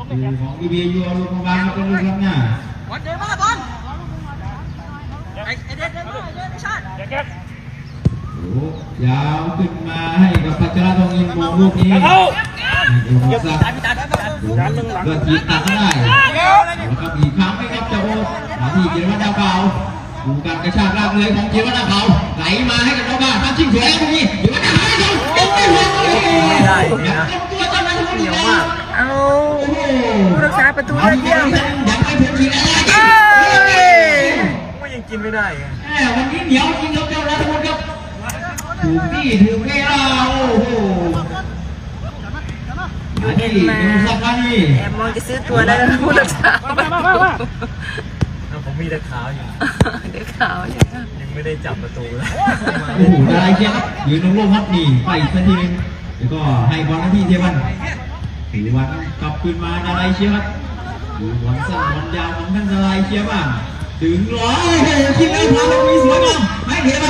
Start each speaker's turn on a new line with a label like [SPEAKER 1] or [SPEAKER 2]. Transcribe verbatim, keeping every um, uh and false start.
[SPEAKER 1] ของบีบียูลูกบอลเป็นลูกหน้า
[SPEAKER 2] บอลเดินมาบอลไอ้เด็ดเดินมาเดินไม่ชาติ
[SPEAKER 1] ยาวขึ้นมาให้กับพัชรทองอินมองลูกนี้เก็บตัดตัดก็จีบตัดก็ได้แล้วก็อีกครั้งไม่ครับเจ้าโอ้มาที่จิรวัตรดาวเก่าดูการกระชากลากเลยของจิรวัตรดาวเก่าไหลมาให้กับน้องบ้านทำชิงสวยตรงนี้จิรวัตรดาวเก่าเก็บไม่หมดไม่ได้ตัวจะมาทุกเดียวมาก
[SPEAKER 3] เอาผู้รักษาประตูได้เยี่ยม
[SPEAKER 1] ยังไม่ถึงทีแล้ว
[SPEAKER 2] ก็ยังกินไม่ได้
[SPEAKER 1] วันนี้เหนียวจริงครับเจ้ารัฐมนตรีถูกที่ถูกเวลาโอ้โห
[SPEAKER 3] ยูเอ็นมาแอบมองจะซื้อตัวได้แล้วผู้รักษา
[SPEAKER 2] ผมมีแต่ขาวอยู่
[SPEAKER 3] เด็กขาวอยู่
[SPEAKER 2] ยังไม่ได้จับประตูเลย
[SPEAKER 1] โอ้โหดาราเชียร์ครับยืนลงโลกครับนี่ไปอีกสักทีนึงแล้วก็ให้บอลหน้าที่เทวันถือวันกลับคืนมาดาราเชียร์ครับดูบอลสั้นบอลยาวของท่านดาราเชียร์บ้างถึงร้อยคิดแล้วพาไปสวยงามให้เทวัน